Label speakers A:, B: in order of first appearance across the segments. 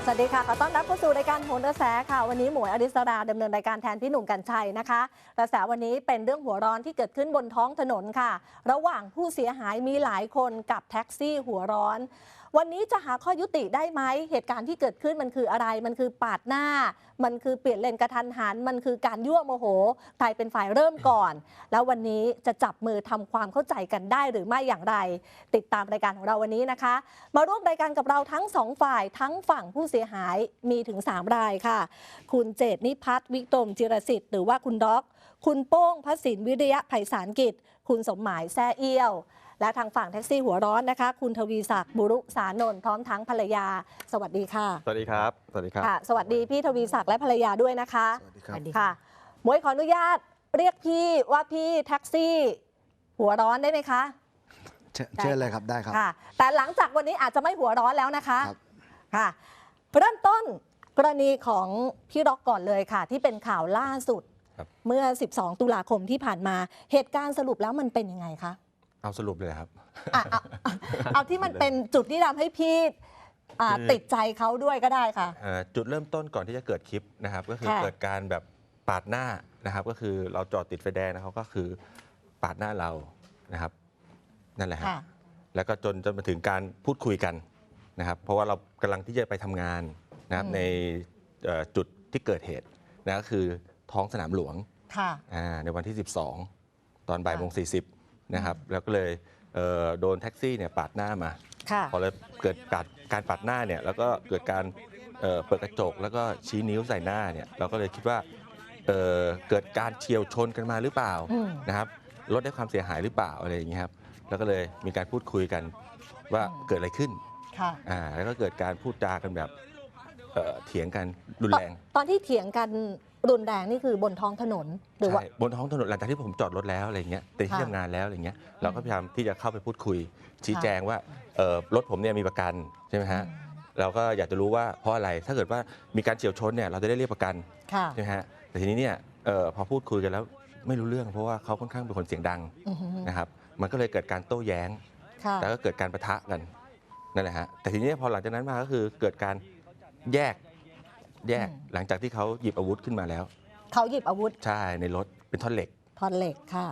A: สวัสดีค่ะขอต้อนรับเข้าสู่รายการโหนกระแสค่ะวันนี้หมวยอริสราดำเนินรายการแทนพี่หนุ่มกรรชัยนะคะกระแสวันนี้เป็นเรื่องหัวร้อนที่เกิดขึ้นบนท้องถนนค่ะระหว่างผู้เสียหายมีหลายคนกับแท็กซี่หัวร้อนวันนี้จะหาข้อยุติได้ไหมเหตุการณ์ที่เกิดขึ้นมันคืออะไรมันคือปาดหน้ามันคือเปลี่ยนเลนกระทันหันมันคือการยั่วโมโหใครเป็นฝ่ายเริ่มก่อนแล้ววันนี้จะจับมือทำความเข้าใจกันได้หรือไม่อย่างไรติดตามรายการของเราวันนี้นะคะมาร่วมรายการกับเราทั้ง2ฝ่ายทั้งฝั่งผู้เสียหายมีถึง3รายค่ะคุณเจตนิพัฒน์วิกรมจิรสิทธิ์หรือว่าคุณด็อกคุณโป้งพสินวิริยะไพศาลกิจคุณสมหมายแซ่เอี้ยวและทางฝั่งแท็กซี่หัวร้อนนะคะคุณทวีศักดิ์บุรุษานนท์พร้อมทั้งภรรยาสวัสดีค่ะ
B: สวัสดีครับสวัสดีครับ
A: สวัสดีพี่ทวีศักดิ์และภรรยาด้วยนะคะ
C: สวัสดีครับ
A: ค่ะหมวยขออนุญาตเรียกพี่ว่าพี่แท็กซี่หัวร้อนได้ไหมคะ
C: เชิญเลยครับได้ครับ
A: แต่หลังจากวันนี้อาจจะไม่หัวร้อนแล้วนะคะค่ะเริ่มต้นกรณีของพี่ร็อกก่อนเลยค่ะที่เป็นข่าวล่าสุดเมื่อ12ตุลาคมที่ผ่านมาเหตุการณ์สรุปแล้วมันเป็นยังไงคะ
B: เอาสรุปเลยครับ
A: เอาที่มันเป็นจุดที่ทำให้พี่ติดใจเขาด้วยก็ได้ค่ะ
B: จุดเริ่มต้นก่อนที่จะเกิดคลิปนะครับก็คือเกิดการแบบปาดหน้านะครับก็คือเราจอดติดไฟแดงนะเขาก็คือปาดหน้าเรานะครับนั่นแหละฮะแล้วก็จนมาถึงการพูดคุยกันนะครับเพราะว่าเรากำลังที่จะไปทำงานนะครับในจุดที่เกิดเหตุนะก็คือท้องสนามหลวงในวันที่ 12 ตอนบ่ายโมง 40นะครับแล้วก็เลยโดนแท็กซี่เนี่ยปาดหน้ามาพอเลยเกิดการปาดหน้าเนี่ยแล้วก็เกิดการเปิดกระจกแล้วก็ชี้นิ้วใส่หน้าเนี่ยเราก็เลยคิดว่าเกิดการเฉี่ยวชนกันมาหรือเปล่านะครับรถได้ความเสียหายหรือเปล่าอะไรอย่างเงี้ยครับแล้วก็เลยมีการพูดคุยกันว่าเกิดอะไรขึ้นแล้วก็เกิดการพูดจากันแบบเถียงกันรุนแรง
A: ตอนที่เถียงกันรุนแรงนี่คือบนท้องถนนหรือว่า
B: บนท้องถนนหลังจากที่ผมจอดรถแล้วอะไรเงี้ยแต่ที่ทำงานแล้วอะไรเงี้ยเราก็พยายามที่จะเข้าไปพูดคุยชี้แจงว่ารถผมเนี่ยมีประกันใช่ไหมฮะเราก็อยากจะรู้ว่าเพราะอะไรถ้าเกิดว่ามีการเฉี่ยวชนเนี่ยเราจะได้เรียกประกันใช่ไหมฮะแต่ทีนี้เนี่ยพอพูดคุยกันแล้วไม่รู้เรื่องเพราะว่าเขาค่อนข้างเป็นคนเสียงดังนะครับมันก็เลยเกิดการโต้แย้งแล้วก็เกิดการปะทะกันนั่นแหละฮะแต่ทีนี้พอหลังจากนั้นมาก็คือเกิดการแยกหลังจากที่เขาหยิบอาวุธขึ้นมาแล้ว
A: เขาหยิบอาวุธ
B: ใช่ในรถเป็นท่อนเหล็ก
A: ค่ะ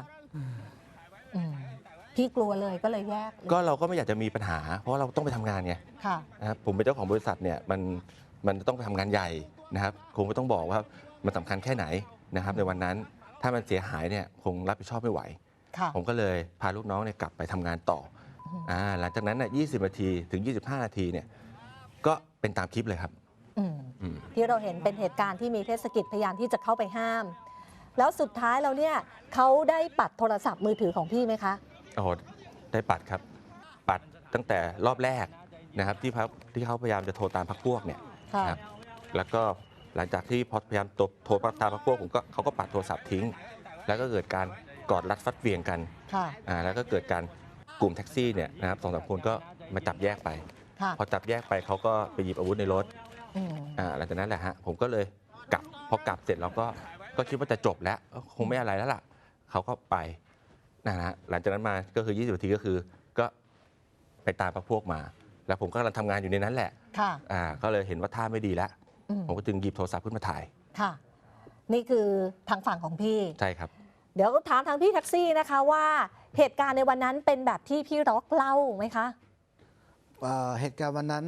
A: พี่กลัวเลยก็เลยแยก
B: ก็เราก็ไม่อยากจะมีปัญหาเพราะเราต้องไปทำงานไงนะครับผมเป็นเจ้าของบริษัทเนี่ยมันต้องไปทำงานใหญ่นะครับคงไม่ต้องบอกว่ามันสำคัญแค่ไหนนะครับในวันนั้นถ้ามันเสียหายเนี่ยคงรับผิดชอบไม่ไหวผมก็เลยพาลูกน้องเนี่ยกลับไปทำงานต่อหลังจากนั้น20 นาทีถึง 25 นาทีเนี่ยก็เป็นตามคลิปเลยครับ
A: ที่เราเห็นเป็นเหตุการณ์ที่มีเทศกิจพยายามที่จะเข้าไปห้ามแล้วสุดท้ายเราเนี่ยเขาได้ปัดโทรศัพท์มือถือของพี่ไหมคะ
B: ได้ปัดครับปัดตั้งแต่รอบแรกนะครับที่เขาพยายามจะโทรตามพรรคพวกเนี่ยครับแล้วก็หลังจากที่พยายามโทรตามพรรคพวกเขาก็ปัดโทรศัพท์ทิ้งแล้วก็เกิดการกอดรัดฟัดเวียงกันแล้วก็เกิดการกลุ่มแท็กซี่เนี่ยนะครับ2-3 คนก็มาจับแยกไปพอจับแยกไปเขาก็ไปหยิบอาวุธในรถหลังจากนั้นแหละฮะผมก็เลยกลับพอกลับเสร็จเราก็คิดว่าจะจบแล้วคงไม่อะไรแล้วล่ะเขาก็ไปนะฮะหลังจากนั้นมาก็คือ20 นาทีก็ไปตามพวกมาแล้วผมก็กำลังทำงานอยู่ในนั้นแหละก็เลยเห็นว่าท่าไม่ดีแล้วผมก็จึงหยิบโทรศัพท์ขึ้นมาถ่าย
A: ค่ะนี่คือทางฝั่งของพี่
B: ใช่ครับ
A: เดี๋ยวถามทางพี่แท็กซี่นะคะว่าเหตุการณ์ในวันนั้นเป็นแบบที่พี่ร็อกเล่าไหมคะ
C: เหตุการณ์วันนั้น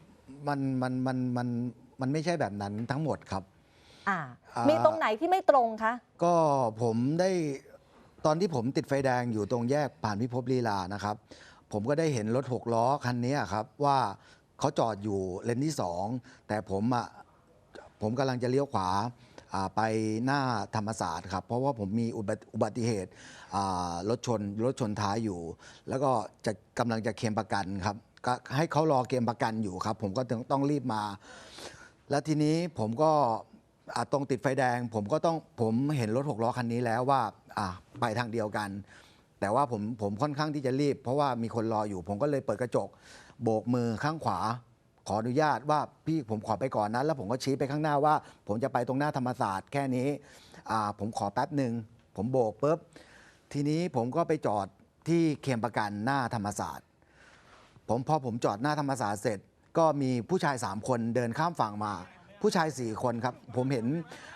C: มันไม่ใช่แบบนั้นทั้งหมดครับ
A: มีตรงไหนที่ไม่ตรงคะ
C: ก็ผมได้ตอนที่ผมติดไฟแดงอยู่ตรงแยกผ่านพิภพลีลานะครับผมก็ได้เห็นรถ6 ล้อคันนี้ครับว่าเขาจอดอยู่เลนที่2แต่ผมกำลังจะเลี้ยวขวาไปหน้าธรรมศาสตร์ครับเพราะว่าผมมีอุบัติเหตุรถชนท้ายอยู่แล้วก็กำลังจะเคลมประกันครับก็ให้เขารอเคลมประกันอยู่ครับผมก็ต้องรีบมาแล้วทีนี้ผมก็ตรงติดไฟแดงผมเห็นรถ6 ล้อคันนี้แล้วว่าไปทางเดียวกันแต่ว่าผมค่อนข้างที่จะรีบเพราะว่ามีคนรออยู่ผมก็เลยเปิดกระจกโบกมือข้างขวาขออนุญาตว่าพี่ผมขอไปก่อนนะแล้วผมก็ชี้ไปข้างหน้าว่าผมจะไปตรงหน้าธรรมศาสตร์แค่นี้ผมขอแป๊บหนึ่งผมโบกปุ๊บทีนี้ผมก็ไปจอดที่เคลมประกันหน้าธรรมศาสตร์พอผมจอดหน้าธรรมศาสตร์เสร็จก็มีผู้ชาย3คนเดินข้ามฝั่งมา ผู้ชาย4คนครับผมเห็น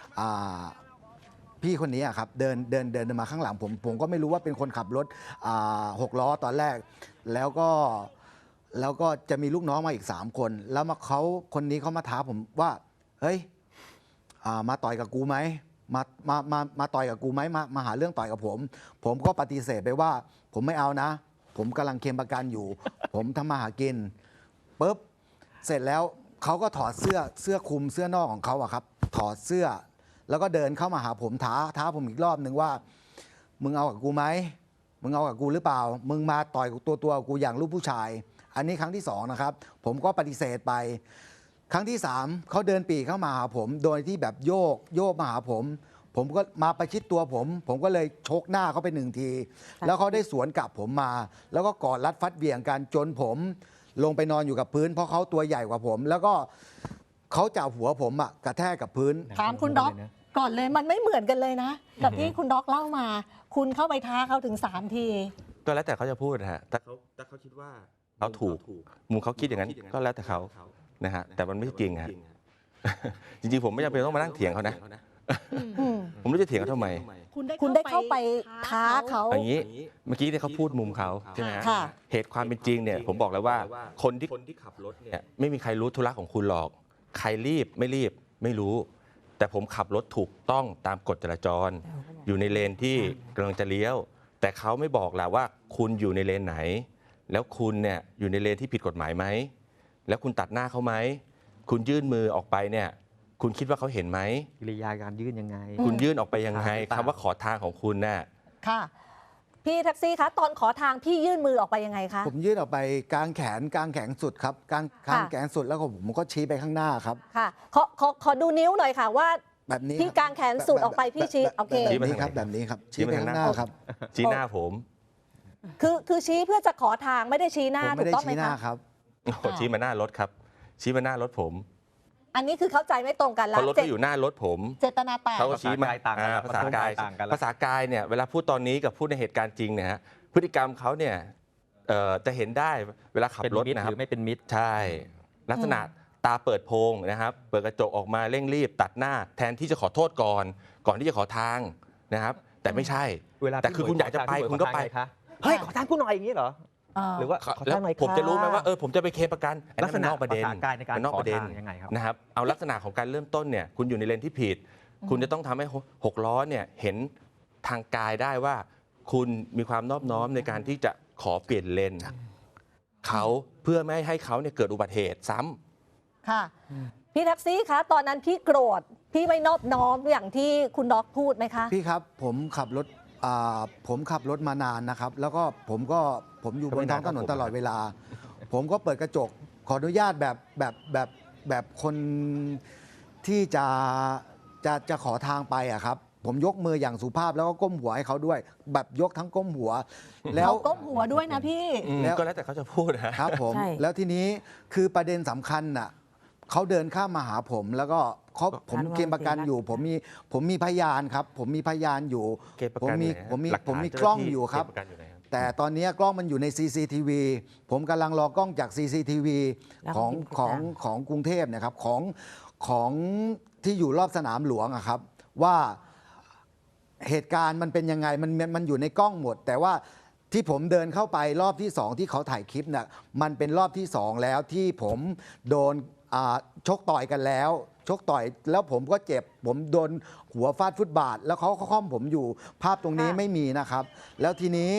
C: พี่คนนี้ครับเดินมาข้างหลังผมก็ไม่รู้ว่าเป็นคนขับรถ6 ล้อตอนแรกแล้วก็จะมีลูกน้องมาอีก3 คนแล้วคนนี้เขามาท้าผมว่าเฮ้ยมาต่อยกับกูไหมมาต่อยกับกูไหมมาหาเรื่องต่อยกับผมก็ปฏิเสธไปว่าผมไม่เอานะ ผมกำลังเคลมประกันอยู่ ผมทำมาหากินปุ๊บเสร็จแล้วเขาก็ถอดเสื้อคลุมเสื้อนอกของเขาอะครับถอดเสื้อแล้วก็เดินเข้ามาหาผมท้าผมอีกรอบหนึ่งว่ามึงเอากับกูไหมมึงเอากับกูหรือเปล่ามึงมาต่อยตัวกูอย่างลูกผู้ชายอันนี้ครั้งที่2นะครับผมก็ปฏิเสธไปครั้งที่3เขาเดินปีเข้ามาหาผมโดยที่แบบโยกมาหาผมก็มาประชิดตัวผมก็เลยชกหน้าเขาไป1 ทีแล้วเขาได้สวนกลับผมมาแล้วก็กอดรัดฟัดเหวี่ยงกันจนผมลงไปนอนอยู่กับพื้นเพราะเขาตัวใหญ่กว่าผมแล้วก็เขาจับหัวผมกระแทกกับพื้น
A: ถามคุณด็อกก่อนเลยมันไม่เหมือนกันเลยนะกับที่คุณด็อกเล่ามา คุณเข้าไปท้าเขาถึง3 ที
B: ก็แล้วแต่เขาจะพูดนะฮะแต่เขาคิดว่าเขาถูกมุมเขาคิดอย่างนั้นก็แล้วแต่เขานะฮะแต่มันไม่จริงฮะจริงๆผมไม่จำเป็นต้องมานั่งเถียงเขานะผมไม่รู้จะเถียงเขาทำไม
A: คุณได้เข้าไปท้าเขา
B: อย่างนี้เมื่อกี้เนี่ยเขาพูดมุมเขาใช่ไหมฮะเหตุความเป็นจริงเนี่ยผมบอกแล้วว่าคนที่ขับรถเนี่ยไม่มีใครรู้ธุระของคุณหรอกใครรีบไม่รู้แต่ผมขับรถถูกต้องตามกฎจราจรอยู่ในเลนที่กำลังจะเลี้ยวแต่เขาไม่บอกแหละว่าคุณอยู่ในเลนไหนแล้วคุณเนี่ยอยู่ในเลนที่ผิดกฎหมายไหมแล้วคุณตัดหน้าเขาไหมคุณยื่นมือออกไปเนี่ยคุณคิดว่าเขาเห็นไหม
D: กิริยาการยื่นยังไง
B: คุณยื่นออกไปยังไงคำว่าขอทางของคุณน่ะ
A: ค่ะพี่แท็กซี่คะตอนขอทางพี่ยื่นมือออกไปยังไงคะ
C: ผมยื่นออกไปกลางแขนสุดครับกลางแขนสุดแล้วผมก็ชี้ไปข้างหน้าครับ
A: ค่ะขอดูนิ้วหน่อยค่ะว่า
C: แบบนี้
A: พี่กลางแขนสุดออกไปพี่ชี้โอเค
C: แบบนี้ครับชี้ไปข้างหน้าครับ
B: ชี้หน้าผม
A: คือชี้เพื่อจะขอทางไม่ได้ชี้หน้าถูกต้องไหมคะ
C: ครับ
B: ชี้มาหน้ารถครับชี้มาหน้ารถผม
A: อันนี้คือเข้าใจไม่ตรงกันแล้ว
B: เพราะรถก็อยู่หน้ารถผม
A: เจตนาแตก
B: เขาชี้มาภาษากายเนี่ยเวลาพูดตอนนี้กับพูดในเหตุการณ์จริงเนี่ยฮะพฤติกรรมเขาเนี่ยจะเห็นได้เวลาขับรถนะครับ
D: หรือไม่เป็นมิตร
B: ใช่ลักษณะตาเปิดโพงนะครับเปิดกระจกออกมาเร่งรีบตัดหน้าแทนที่จะขอโทษก่อนที่จะขอทางนะครับแต่ไม่ใช่แต่คือคุณอยากจะไปคุณก็ไป
D: เฮ้ยขอทางกูหน่อยอย่างนี้เหรอหรือว่า
B: แล้วผมจะรู้ไหมว่าผมจะไปเคลมประกัน
D: ลักษณะ
B: นอกประเด็น
D: ในอกประเด็นยังไงครับ
B: นะครับเอาลักษณะของการเริ่มต้นเนี่ยคุณอยู่ในเลนที่ผิดคุณจะต้องทำให้6 ล้อเนี่ยเห็นทางกายได้ว่าคุณมีความนอบน้อมในการที่จะขอเปลี่ยนเลนเขาเพื่อไม่ให้เขาเนี่ยเกิดอุบัติเหตุซ้
A: ำค่ะพี่แท็กซี่คะตอนนั้นพี่โกรธพี่ไม่นอบน้อมอย่างที่คุณด็อกพูดไหมคะ
C: พี่ครับผมขับรถมานานนะครับแล้วก็ผมอยู่บนท้องถนนตลอดเวลาผมก็เปิดกระจกขออนุญาตแบบคนที่จะขอทางไปอะครับผมยกมืออย่างสุภาพแล้วก็ก้มหัวให้เขาด้วยแบบยกทั้งก้มหัว
A: แล้วก้มหัวด้วยนะพี่
B: ก็แล้วแต่เขาจะพูด
C: นะครับผมแล้วทีนี้คือประเด็นสำคัญน่ะเขาเดินข้ามมาหาผมแล้วก็ผมเคลมประกันอยู่ผมมีพยานครับผมมีพยานอยู่ผมมีกล้องอยู่ครับแต่ตอนนี้กล้องมันอยู่ใน CCTV ผมกำลังรอกล้องจาก CCTV ของกรุงเทพนะครับของที่อยู่รอบสนามหลวงอะครับว่าเหตุการณ์มันเป็นยังไงมันอยู่ในกล้องหมดแต่ว่าที่ผมเดินเข้าไปรอบที่2ที่เขาถ่ายคลิปน่ะมันเป็นรอบที่2แล้วที่ผมโดนชกต่อยกันแล้วชกต่อยแล้วผมก็เจ็บผมโดนหัวฟาดฟุตบาทแล้วเขาค่อมผมอยู่ภาพตรงนี้ไม่มีนะครับแล้วทีนี้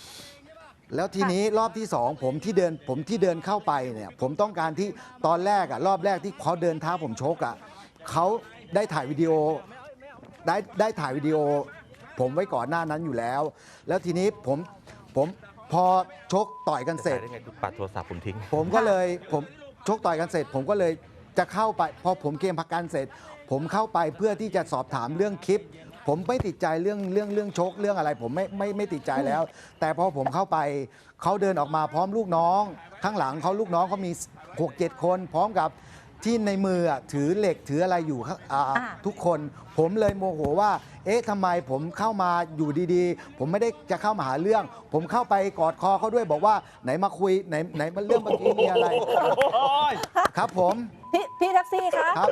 C: รอบที่2ผมที่เดินเข้าไปเนี่ยผมต้องการที่ตอนแรกรอบแรกที่เขาเดินท้าผมชกเขาได้ถ่ายวิดีโอได้ถ่ายวิดีโอผมไว้ก่อนหน้านั้นอยู่แล้วแล้วทีนี้ผมพอชกต่อยกันเสร็จ
B: ปัดโทรศัพท์ผมทิ้ง
C: ผมก็เลยชกต่อยกันเสร็จผมก็เลยจะเข้าไปพอผมเกมประกันเสร็จผมเข้าไปเพื่อที่จะสอบถามเรื่องคลิปผมไม่ติดใจเรื่องชกเรื่องอะไรผมไม่ติดใจแล้วแต่พอผมเข้าไปเขาเดินออกมาพร้อมลูกน้องข้างหลังเขาลูกน้องเขามี 6-7 คนพร้อมกับที่ในมือถือเหล็กถืออะไรอยู่ทุกคนผมเลยโมโหว่าเอ๊ะทำไมผมเข้ามาอยู่ดีๆผมไม่ได้จะเข้ามาหาเรื่องผมเข้าไปกอดคอเขาด้วยบอกว่าไหนมาคุยไหนมาเรื่องเมื่อกี้มีอะไรครับผม
A: พี่แท็กซี่คะ
C: ครับ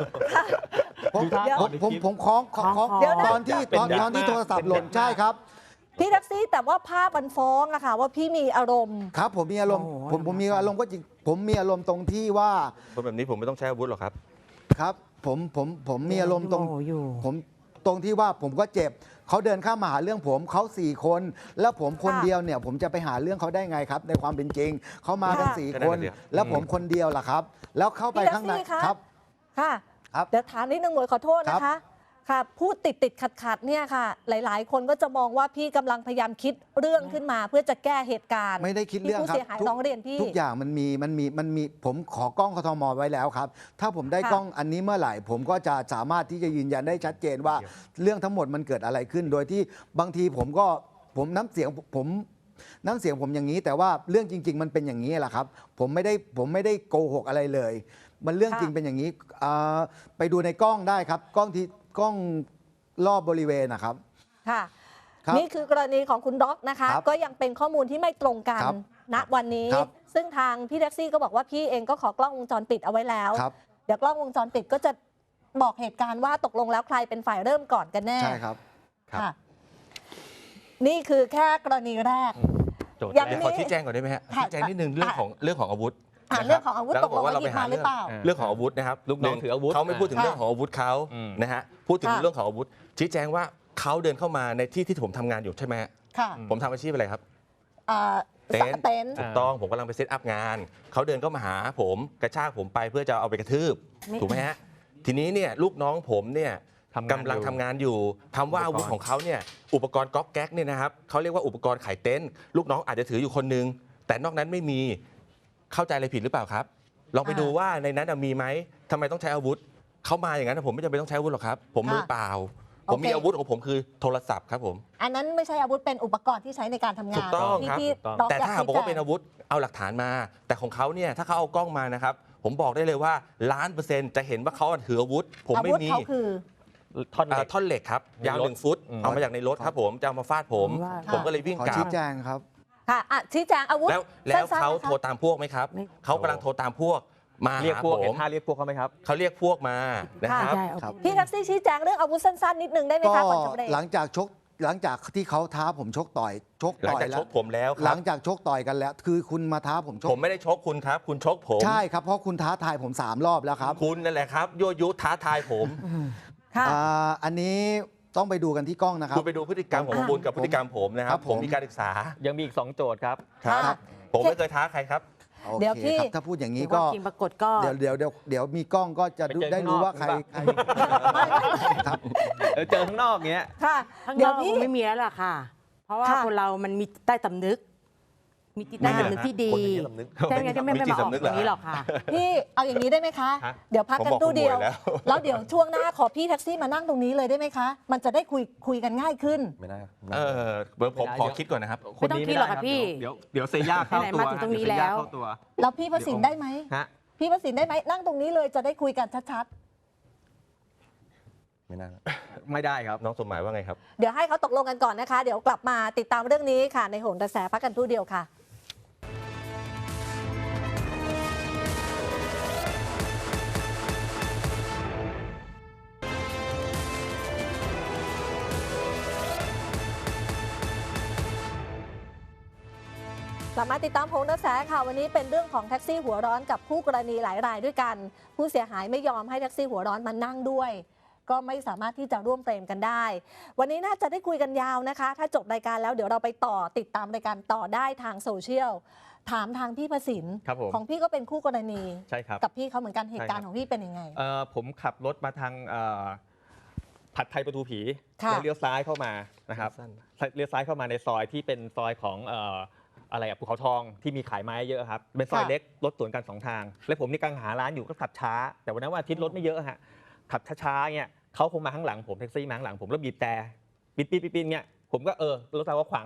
C: ผมคล้องตอนที่โทรศัพท์หล่นใช่ครับ
A: พี่แท็กซี่แต่ว่าภาพมันฟ้องอะค่ะว่าพี่มีอารมณ์
C: ครับผมมีอารมณ์ผมมีอารมณ์ก็จริงผมมีอารมณ์ตรงที่ว่า
B: คนแบบนี้ผมไม่ต้องใช้อาวุธหรอกครับ
C: ครับผมมีอารมณ์ตรงผมตรงที่ว่าผมก็เจ็บเขาเดินเข้ามาหาเรื่องผมเขา4 คนแล้วผมคนเดียวเนี่ยผมจะไปหาเรื่องเขาได้ไงครับในความเป็นจริงเขามากัน4 คนแล้วผมคนเดียวล่ะครับแล้วเข้าไปข้างในครับ
A: ค่ะเดี๋ยวถามนิดนึงหมวยขอโทษนะคะค่ะพูดติดขัดเนี่ยค่ะหลายๆ คนก็จะมองว่าพี่กำลังพยายามคิดเรื่องขึ้นมาเพื่อจะแก้เหตุการณ์
C: ไม่ได้คิดเรื่องครับ
A: ผู้เสียหายร้องเรียนพี่
C: ทุกอย่างมันมีผมขอกล้องกทมไว้แล้วครับถ้าผมได้กล้องอันนี้เมื่อไหร่ผมก็จะสามารถที่จะยืนยันได้ชัดเจนว่าเรื่องทั้งหมดมันเกิดอะไรขึ้นโดยที่บางทีผมน้ำเสียงผมอย่างนี้แต่ว่าเรื่องจริงๆมันเป็นอย่างนี้แหละครับผมไม่ได้โกหกอะไรเลยมันเรื่องจริงเป็นอย่างนี้ไปดูในกล้องได้ครับกล้องรอบบริเวณนะครับ
A: ค่ะนี่คือกรณีของคุณด็อกนะคะก็ยังเป็นข้อมูลที่ไม่ตรงกันณวันนี้ซึ่งทางพี่แท็กซี่ก็บอกว่าพี่เองก็ขอกล้องวงจรปิดเอาไว้แล้วเดี๋ยวกล้องวงจรปิดก็จะบอกเหตุการณ์ว่าตกลงแล้วใครเป็นฝ่ายเริ่มก่อนกันแน่
C: ใช่ครับ
A: ค่ะนี่คือแค่กรณีแรก
B: ขอชี้แจงก่อนได้ไหมฮะชี้แจงนิดนึงเรื่องของอาวุธ
A: เรื่องของอาวุธตกลงว่าหยิบมาหรือเปล่า
B: เรื่องของอาวุธนะครับ
D: ลูกน้องถืออาวุธ
B: เขาไม่พูดถึงเรื่องของอาวุธเขานะฮะพูดถึงเรื่องของอาวุธชี้แจงว่าเขาเดินเข้ามาในที่ผมทำงานอยู่ใช่ไหมผมทำอาชีพอะไรครับเต็นท์ถูกต้องผมกำลังไปเซตอัพงานเขาเดินเข้ามาหาผมกระชากผมไปเพื่อจะเอาไปกระทืบถูกไหมฮะทีนี้เนี่ยลูกน้องผมเนี่ยกำลังทำงานอยู่คำว่าอาวุธของเขาเนี่ยอุปกรณ์ก๊อกแก๊กเนี่ยนะครับเขาเรียกว่าอุปกรณ์ขายเต็นท์ลูกน้องอาจจะถืออยู่คนนึงแต่นอกนั้นไม่มีเข้าใจอะไรผิดหรือเปล่าครับลองไปดูว่าในนั้นมีไหมทำไมต้องใช้อาวุธเข้ามาอย่างนั้นผมไม่จำเป็นต้องใช้อาวุธหรอกครับผมมือเปล่าผมมีอาวุธของผมคือโทรศัพท์ครับผม
A: อันนั้นไม่ใช่อาวุธเป็นอุปกรณ์ที่ใช้ในการทำงาน
B: ถูกต้องครับแต่ถ้าหากบอกว่าเป็นอาวุธเอาหลักฐานมาแต่ของเขาเนี่ยถ้าเขาเอากล้องมานะครับผมบอกได้เลยว่า1,000,000%จะเห็นว่าเขาถืออาวุธผมไม่มีท่อนเหล็กครับยาว1 ฟุตเอามาจากในรถครับผมจะเอามาฟาดผมก็เลยวิ่งกลับ
C: ชี้แจงครับ
A: ค่ะชี้แจงอาวุธ
B: แล้วเขาโทรตามพวกไหมครับเขากำลังโทรตามพวกมา
D: เรียกพวกเห็นท่าเรียกพวกเขาไหมครับ
B: เขาเรียกพวกมานะครับ
A: พี่แท็กซี่ชี้แจงเรื่องอาวุธสั้นๆนิดนึงได้ไหมคะก่อนจะเบรก
C: หลังจากที่เขาท้าผมชกต่อย
B: หลังจากชกผมแล้ว
C: หลังจากชกต่อยกันแล้วคือคุณมาท้าผมชก
B: ผมไม่ได้ชกคุณครับคุณชกผม
C: ใช่ครับเพราะคุณท้าทายผม3 รอบแล้วครับ
B: คุณนั่นแหละครับยั่วยุท้าทายผม
C: อันนี้ต้องไปดูกันที่กล้องนะครับ
B: คุณไปดูพฤติกรรมของคุณกับพฤติกรรมผมนะครับผมมีการศึกษา
D: ยังมีอีก2 โจทย์ครับ
B: ผมไม่เคยท้าใครครับ
C: เดี๋ยวพี่ถ้าพูดอย่างนี้ก็
E: ปรากฏก็
C: เดี๋ยวมีกล้องก็จะได้รู้ว่าใคร
D: ครับเจอข้างนอกเงี้ย
E: ค่ะเดี๋ยวพี่ไม่มีแล้วล่ะค่ะเพราะว่าคนเรามันมีใต้สำนึกมีจิตใต้สำนึกที่ดีใช่ไหมที่ไม่มาออกอย่างนี้หรอกค่ะ
A: พี่เอาอย่างนี้ได้ไหมคะเดี๋ยวพักกันตู้เดียวแล้วเดี๋ยวช่วงหน้าขอพี่แท็กซี่มานั่งตรงนี้เลยได้ไหมคะมันจะได้คุยกันง่ายขึ้น
B: ไม่ได้ผมขอคิดก่อนนะครับ
E: ไม่ต้องคิดหรอกค่ะพี่
D: เดี๋ยวเซย่าเข้าตัว
E: มาถึงตรงนี้แล้ว
A: แล้วพี่ประสิทธิ์ได้ไหมพี่ประสิทธิ์ได้ไหมนั่งตรงนี้เลยจะได้คุยกันชัด
B: ไม่ได้ครับน้องสมหมายว่าไงครับ
A: เดี๋ยวให้เขาตกลงกันก่อนนะคะเดี๋ยวกลับมาติดตามเรื่องนี้ค่ะในโหนกระแสพักกันตู้เดียวค่ะกลับมาติดตามโหนกระแสค่ะวันนี้เป็นเรื่องของแท็กซี่หัวร้อนกับคู่กรณีหลายรายด้วยกันผู้เสียหายไม่ยอมให้แท็กซี่หัวร้อนมานั่งด้วยก็ไม่สามารถที่จะร่วมเฟรมกันได้วันนี้น่าจะได้คุยกันยาวนะคะถ้าจบรายการแล้วเดี๋ยวเราไปติดตามรายการต่อได้ทางโซเชียลถามทางพี่ประสิทธิ์ของพี่ก็เป็นคู่กรณี
D: ใช่ครับ
A: กับพี่เขาเหมือนกันเหตุการณ์ของพี่เป็นยังไง
D: ผมขับรถมาทางผัดไทยประตูผีแล้วเลี้ยวซ้ายเข้ามานะครับเลี้ยวซ้ายเข้ามาในซอยที่เป็นซอยของอะไรภูเขาทองที่มีขายไม้เยอะครับเป็นซอยเล็กรถสวนกัน2 ทางและผมนี่กำลังหาร้านอยู่ก็ขับช้าแต่วันนั้นวันอาทิตย์รถไม่เยอะฮะขับช้าๆเนี่ยเขาคงมาข้างหลังผมแท็กซี่มาข้างหลังผมแล้วบีบแต่ปีนเนี่ยผมก็รถเราก็ขวางเขาแหละ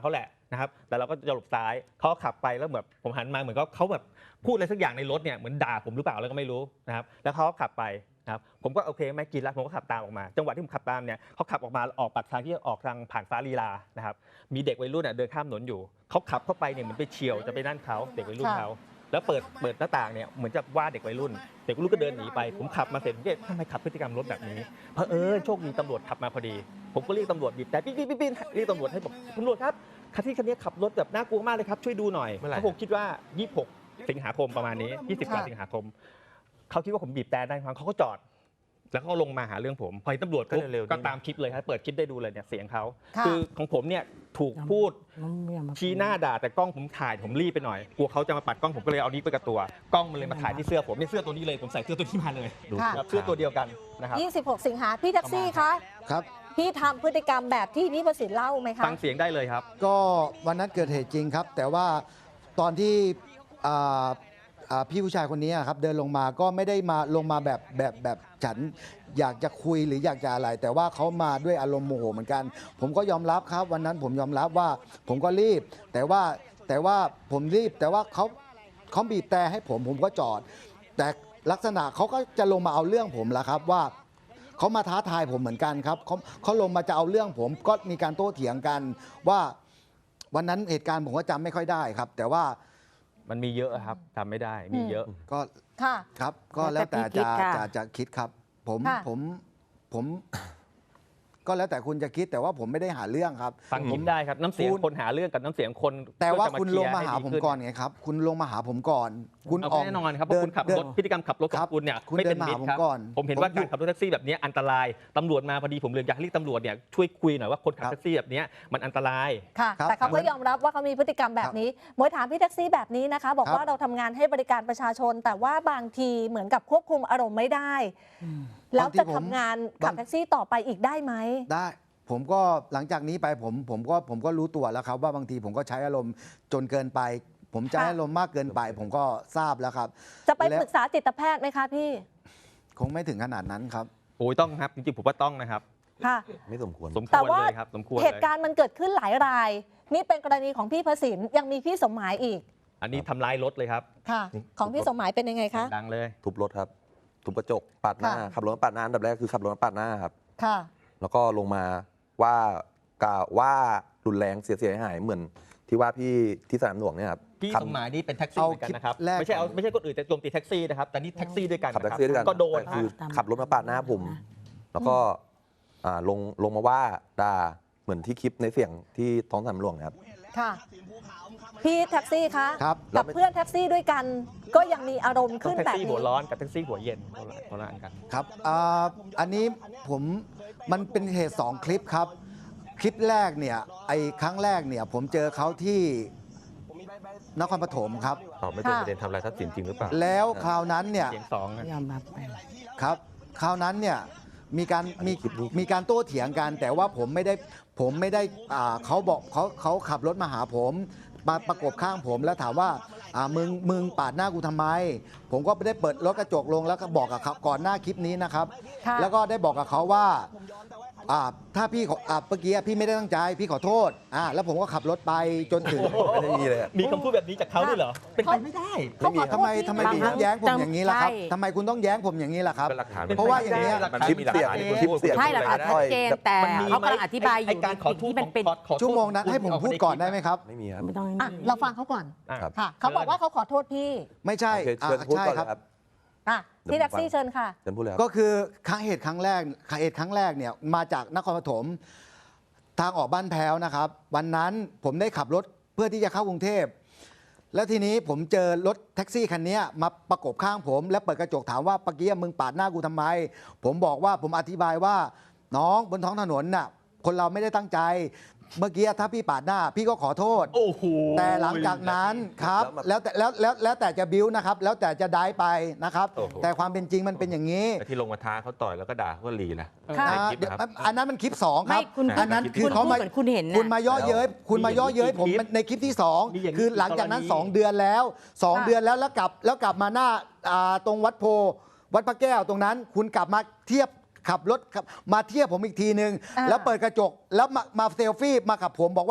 D: นะครับแต่เราก็จะหลบซ้ายเขาขับไปแล้วแบบผมหันมาเหมือนเขาแบบพูดอะไรสักอย่างในรถเนี่ยเหมือนด่าผมหรือเปล่าแล้วก็ไม่รู้นะครับแล้วเขาขับไปนะครับผมก็โอเคไม่กินแล้วผมก็ขับตามออกมาจังหวะที่ผมขับตามเนี่ยเขาขับออกมาออกปากทางที่ออกทางผ่านฟ้าลีลานะครับมีเด็กวัยรุ่นเดินข้ามถนนอยู่เขาขับเข้าไปเนี่ยเหมือนไปเฉี่ยวจะไปนั่นเขาเด็กวัยรุ่นเขาแล้วเปิดหน้าต่างเนี่ยเหมือนจะว่าเด็กวัยรุ่นก็เดินหนีไปผมขับมาเสร็จผมก็ทำไมขับพฤติกรรมรถแบบนี้โชคดีตำรวจขับมาพอดีผมก็เรียกตำรวจบีบแต่ปิ๊บเรียกตำรวจให้บอกตำรวจครับคันนี้ขับรถแบบน่ากลัวมากเลยครับช่วยดูหน่อยเพราะผมคิดว่า26 สิงหาคมประมาณนี้20 สิงหาคมเขาคิดว่าผมบีบแต่ได้ฟังเขาก็จอดแล้วก็ลงมาหาเรื่องผมพอตำรวจก็ตามคลิปเลยครับเปิดคลิปได้ดูเลยเนี่ยเสียงเขาคือของผมเนี่ยถูกพูดชี้หน้าด่าแต่กล้องผมถ่ายผมรีบไปหน่อยกลัวเขาจะมาปัดกล้องผมก็เลยเอานี้ไปกับตัวกล้องมันเลยมาถ่ายที่เสื้อผมเนี่ยเสื้อตัวนี้เลยผมใส่เสื้อตัวนี้มาเลยเสื้อตัวเดียวกันนะครับ
A: 26 สิงหาพี่แท็กซี่คะ
C: ครับ
A: พี่ทำพฤติกรรมแบบที่พี่ประสิทธิ์เล่าไหมคะ
D: ฟังเสียงได้เลยครับ
C: ก็วันนั้นเกิดเหตุจริงครับ แต่ว่าตอนที่อ่าพี่ผู้ชายคนนี้ครับเดินลงมาก็ไม่ได้มาลงมาแบบฉันอยากจะคุยหรืออยากจะอะไร แต่ว่าเขามาด้วยอารมณ์โมโหเหมือนกัน ผมก็ยอมรับครับวันนั้นผมยอมรับว่าผมก็รีบ แต่ว่าผมรีบแต่ว่าเขาบีบแต่ให้ผมก็จอด แต่ลักษณะเขาก็จะลงมาเอาเรื่องผมแล้วครับว่าเขามาท้าทายผมเหมือนกันครับเขาลงมาจะเอาเรื่องผมก็มีการโต้เถียงกันว่าวันนั้นเหตุการณ์ผมก็จำไม่ค่อยได้ครับ แต่ว่า
D: มันมีเยอะครับทำไม่ได้มีเยอะ
C: ก็ครับก็แล้วแต่จะคิดครับผมก็แล้วแต่คุณจะคิดแต่ว่าผมไม่ได้หาเรื่องครับ
D: ฟังผมได้ครับน้ำเสียงคนหาเรื่องกับน้ำเสียงคน
C: แต่ว่าคุณลงมาหาผมก่อนไงครับคุณลงมาหาผมก่อนคุณ
D: ออกแน่นอนครับเพราะคุณขับรถพฤติกรรมขับรถของคุณเนี่ยไม่เป็นมิตรครับผมเห็นว่าการขับรถแท็กซี่แบบนี้อันตรายตำรวจมาพอดีผมเลยอยากเรียกตำรวจเนี่ยช่วยคุยหน่อยว่าคนขับแท็กซี่แบบนี้มันอันตราย
A: ค่ะแต่เขาก็ยอมรับว่าเขามีพฤติกรรมแบบนี้มวยถามพี่แท็กซี่แบบนี้นะคะบอกว่าเราทำงานให้บริการประชาชนแต่ว่าบางทีเหมือนกับควบคุมอารมณ์ไม่ได้แล้วจะทำงานขับแท็กซี่ต่อไปอีกได้ไหม
C: ได้ผมก็หลังจากนี้ไปผมก็รู้ตัวแล้วครับว่าบางทีผมก็ใช้อารมณ์จนเกินไป ผมใช้อารมณ์มากเกินไป ผมก็ทราบแล้วครับ
A: จะไปปรึกษาจิตแพทย์ไหมคะพี่
C: คงไม่ถึงขนาดนั้นครับ
D: โอ้ยต้องครับจริงๆผมว่าต้องนะครับ
A: ค่ะ
B: ไม่สมควร
A: แต่ว่าเหตุการณ์มันเกิดขึ้นหลายรายนี่เป็นกรณีของพี่พสินยังมีพี่สมหมายอีก
D: อันนี้ทำลายรถเลยครับ
A: ค่ะของพี่สมหมายเป็นยังไงคะ
D: ดังเลย
B: ทุบรถครับทุบกระจกปาดหน้าขับรถปาดหน้าอันดับแรกคือขับรถปาดหน้าครับ
A: ค่ะ
B: แล้วก็ลงมาว่ารุนแรงเสียหายเหมือนที่ว่าพี่ที่สนามหลวงเนี่ยครับ
D: พี่สมหมายนี่เป็นแท็กซี่เหมือนกันนะครับไม่ใช่คนอื่นแต่โจมตีแท็กซี่นะครับแต่นี่แท็กซี่ด้วยกัน
B: ขับแท็กซี่ด้วยกัน
D: ก็โดน
B: คือขับรถมาปาดหน้าผมแล้วก็ลงมาว่าด่าเหมือนที่คลิปในเสียงที่ท้องสนามหลวงนะครับ
A: ค่ะพี่แท็กซี่คะกับเพื่อนแท็กซี่ด้วยกันก็ยังมีอารมณ์ขึ้นแบบนี้
D: แท็กซี่หัวร้อนกับแท็กซี่หัวเย็นคนละอันกัน
C: ครับอันนี้มันเป็นเหตุ2คลิปครับคลิปแรกเนี่ยครั้งแรกเนี่ยผมเจอเขาที่นครปฐมครับ
B: ไม่เป็นประเด็นทำลายทรัพย์สินจริงหรือเปล่า
C: แล้วคราวนั้นเนี่ย
D: เสียง2
E: ยอมรับ
C: ครับคราวนั้นเนี่ยมีการโต้เถียงกันแต่ว่าผมไม่ได้เขาบอกเขาขับรถมาหาผมมาประกบข้างผมแล้วถามว่ามึงปาดหน้ากูทำไมผมก็ได้เปิดรถกระจกลงแล้วก็บอกกับเขาก่อนหน้าคลิปนี้นะครับแล้วก็ได้บอกกับเขาว่าถ้าพี่เมื่อกี้พี่ไม่ได้ตั้งใจพี่ขอโทษแล้วผมก็ขับรถไปจนถึง
B: ไม่มีเลย
D: มีคำพูดแบบนี้จากเขาด้วยเหรอเป็นไปไม่ได้
C: ทำไมคุณต้องแย้งผมอย่างนี้ล่ะครับทำไมคุณต้องแย้งผมอย่างนี้ล่ะครับเพราะว่าอย่างนี้
B: มันคลิปเสียง
E: ใช่หลักฐานชัดเจนแต่เขากำลังอธิบายอยู่
D: การขอโทษ
E: มันเป็น
C: ชั่วโมงนั้นให้ผมพูดก่อนได้ไหมครับ
B: ไม่มีครับ
E: ไม่ต้อง
A: เราฟังเขาก่อนค่ะเขาบอกว่าเขาขอโทษพี่
C: ไม่ใช่
B: เชิญพูดก่อนครับ
A: พี่แท็กซี่เชิญค่ะ
C: ก็คือเหตุครั้งแรกเนี่ยมาจากนครปฐมทางออกบ้านแพ้วนะครับวันนั้นผมได้ขับรถเพื่อที่จะเข้ากรุงเทพแล้วทีนี้ผมเจอรถแท็กซี่คันนี้มาประกบข้างผมและเปิดกระจกถามว่าเมื่อกี้มึงปาดหน้ากูทำไมผมบอกว่าผมอธิบายว่าน้องบนท้องถนนน่ะคนเราไม่ได้ตั้งใจเมื่อกี้ถ้าพี่ปาดหน้าพี่ก็ขอโทษแต่หลังจากนั้นครับแล้วแต่จะบิ้วนะครับแล้วแต่จะได้ไปนะครับแต่ความเป็นจริงมันเป็นอย่างนี้
B: ที่ลงมาท้าเขาต่อยแล้วก็ด่าเขาก็รีนะ
C: อันนั้นมันคลิป2ครับอันนั้นคือเขามาคุณมาย่อเย้ยผมในคลิปที่2คือหลังจากนั้น2 เดือนแล้วแล้วกลับมาหน้าตรงวัดโพวัดพระแก้วตรงนั้นคุณกลับมาเทียบขับรถมาเทียบผมอีกทีนึงแล้วเปิดกระจกแล้วมาเซลฟี่มากับผมบอกว่า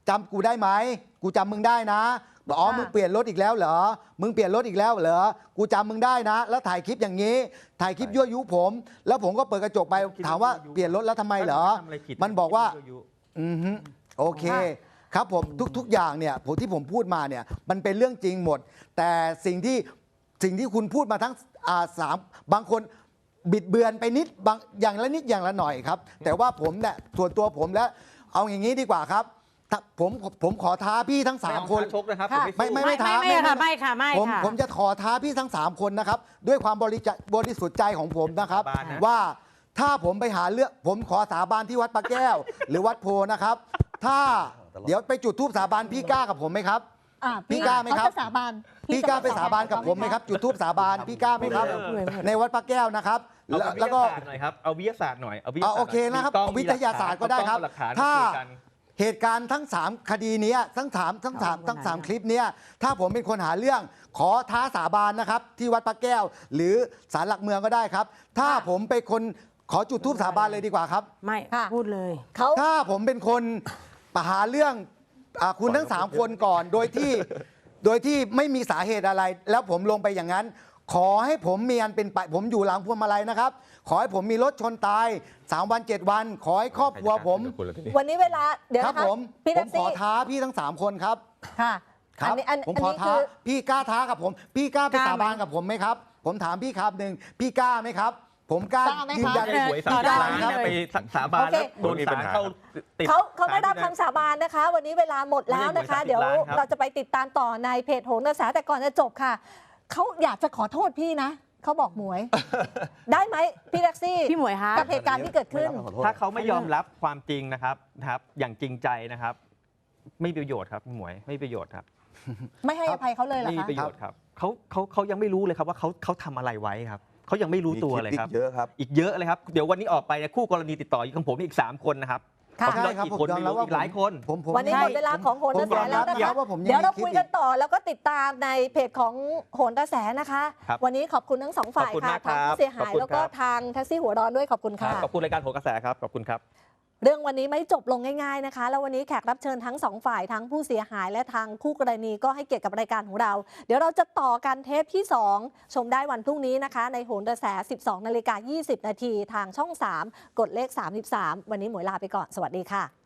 C: จำกูได้ไหมกูจำมึงได้นะบอกอ๋อ
A: ค่ะ
C: มึงเปลี่ยนรถอีกแล้วเหรอมึงเปลี่ยนรถอีกแล้วเหรอกูจำมึงได้นะ แล้วถ่ายคลิปอย่างนี้ ถ่ายคลิปยั่วยุผม แล้วผมก็เปิดกระจกไปถามว่าเปลี่ยนรถแล้วทำไมเหรอ
D: ทำอะไรผิด
C: มันบอกว่า
D: ยั่ยุ
C: อือฮึโอเคครับผมทุกอย่างเนี่ยผมที่ผมพูดมาเนี่ยมันเป็นเรื่องจริงหมด แต่สิ่งที่คุณพูดมาทั้งสามบางคนบิดเบือนไปนิดบางอย่างละนิดอย่างละหน่อยครับ แต่ว่าผมเนี่ยส่วนตัวผมแล้วเอาอย่างนี้ดีกว่าครับถ้าผมขอท้าพี่ทั้ง
D: ไม่เอา
C: 3 คน
D: ท้าชกนะครับ
A: ค่ะ
D: ผมสู้
C: ไม่ท้า
E: ไม่ค่ะไม่ค่ะไม่
C: ผม
E: ค่ะ
C: ผมจะขอท้าพี่ทั้ง 3 คนนะครับ ด้วยความบริสุทธิ์ใจของผมนะครับ
D: สาบานนะ
C: ว่าถ้าผมไปหาเรื่องผมขอสาบานที่วัดปะแก้ว หรือวัดโพนะครับ ถ้าเดี๋ยวไปจุดธูปสาบานพี่กล้ากับผมไหมครับ พี่กล้าไหมครับ
A: เขาจะสาบาน
C: พี่กล้าไปสาบานกับผมไหมครับ จุดธูปสาบานพี่กล้าไหมครับ ในวัดพระแก้วนะครับ
D: เอา
C: แล้วก็
D: วิทยาศาสตร์หน่อยครับเอาวิทยาศาสตร์หน่อยเอาวิทยาศาสตร์
C: โอเคนะครับ
D: มีกล้อง
C: เอาวิทยาศาสตร์ก็ได้ครับ
D: มีหลักฐาน
C: ถ้า
D: คุยกัน
C: เหตุการณ์ทั้ง 3 คดีเนี้ยทั้ง3คลิปเนี้ยถ้าผมเป็นคนหาเรื่องขอท้าสาบานนะครับ ที่วัดพระแก้ว หรือศาลหลักเมืองก็ได้ครับ ถ้าผมเป็นคนขอจุดธูปสาบานเลยดีกว่าครับ
E: ไม่
A: ค่ะ
E: พูดเลย
A: เขา
C: ถ้าผมเป็นคนหาเรื่องคุณทั้ง 3 คนก่อน โดยที่ไม่มีสาเหตุอะไร แล้วผมลงไปอย่างนั้น ขอให้ผมมีอันเป็นไปผมอยู่หลังพวงมาลัยนะครับ ขอให้ผมมีรถชนตาย 3 วัน 7 วัน ขอให้ครอบครัวผม
A: วันนี้เวลาเดี๋ยว
C: ครับ
A: นะคะ
C: ผม
A: พี่
C: ผ
A: แท็
C: ม
A: ก
C: ขอ
A: ซี่
C: ท้าพี่ทั้ง 3 คนครับ
A: ค่ะ
C: ครับ
A: อัน
C: ผม
A: อัน
C: ขอ
A: นี้
C: ท้า
A: คือ
C: พี่กล้าท้ากับผม พี่กล้าไป
E: กล้า
C: สาบาน
E: ไหม
C: กับผมไหมครับ ผมถามพี่ครับหนึ่งพี่กล้าไหมครับ ผมกล้าก
A: ล้าไหม
C: ยืนยัน
A: คะ
D: หวย
C: พี่
D: 30
C: กล้า
D: ล้าน
C: ไหมครับ
D: ไปสาบาน
A: โอเค
D: แล้วโดนศาลเข้าติด
A: เขาได้รับคำสาบานนะคะ วันนี้เวลาหมดแล้วนะคะ
D: ไม่ได้หวย30
A: เดี๋ยว
D: ล้านครับ
A: เราจะไปติดตามต่อในเพจโหนกระแสแต่ก่อนจะจบค่ะเขาอยากจะขอโทษพี่นะเขาบอกหมวย ได้ไหมพี่แท็กซี่
E: พี่หมวยคะ
A: กับเหตุการณ์ที่เกิดขึ้น
D: ถ้าเขาไม่ยอมรับความจริงนะครับอย่างจริงใจนะครับ ไม่มีประโยชน์ครับหมวยไม่มีประโยชน์ครับ
A: ไม่ให้อภัยเขาเลยเหรอ
D: ไม่มี
A: คะ
D: ประโยชน์ครับเขายังไม่รู้เลยครับว่าเขาทำอะไรไว้ครับเขายังไม่รู้ตัวเลยครับ
F: เยอะครับ
D: อีกเยอะเลยครับเดี๋ยววันนี้ออกไปเนี่ยคู่กรณีติดต่ออยู่กับผมอีก3 คนนะครับ
A: ค่ะ
D: ผมกี่คนไม่รู้อีกหลายคน
C: ผม
A: วันนี้หมดเวลาของโหนกระแสแล้วนะคะ
C: ว่าผม
A: เดี๋ยวเรา
C: มี
A: คุย
C: ลิป
A: กันต่อแล้วก็ติดตามในเพจของโหนกระแสนะคะ
D: ครับ
A: วันนี้ขอบคุณทั้งสองฝ่าย
D: ขอบคุณ
A: ค่ะ
D: มากครั
A: ทาง
D: บ
A: ผู้เสียหาย
D: ขอบคุณ
A: แล้วก็
D: ครับ
A: ทางแท็กซี่หัวร้อนด้วยขอบคุณค่ะ
D: ขอบคุณรายการโหนกระแสครับขอบคุณครับ
A: เรื่องวันนี้ไม่จบลงง่ายๆนะคะ แล้ววันนี้แขกรับเชิญทั้งสองฝ่ายทั้งผู้เสียหายและทางคู่กรณีก็ให้เกียรติกับรายการของเรา เดี๋ยวเราจะต่อกันเทปที่ 2 ชมได้วันพรุ่งนี้นะคะ ในโหนกระแส 12:20 น. ทางช่อง 3 กดเลข 33 วันนี้หมวยลาไปก่อน สวัสดีค่ะ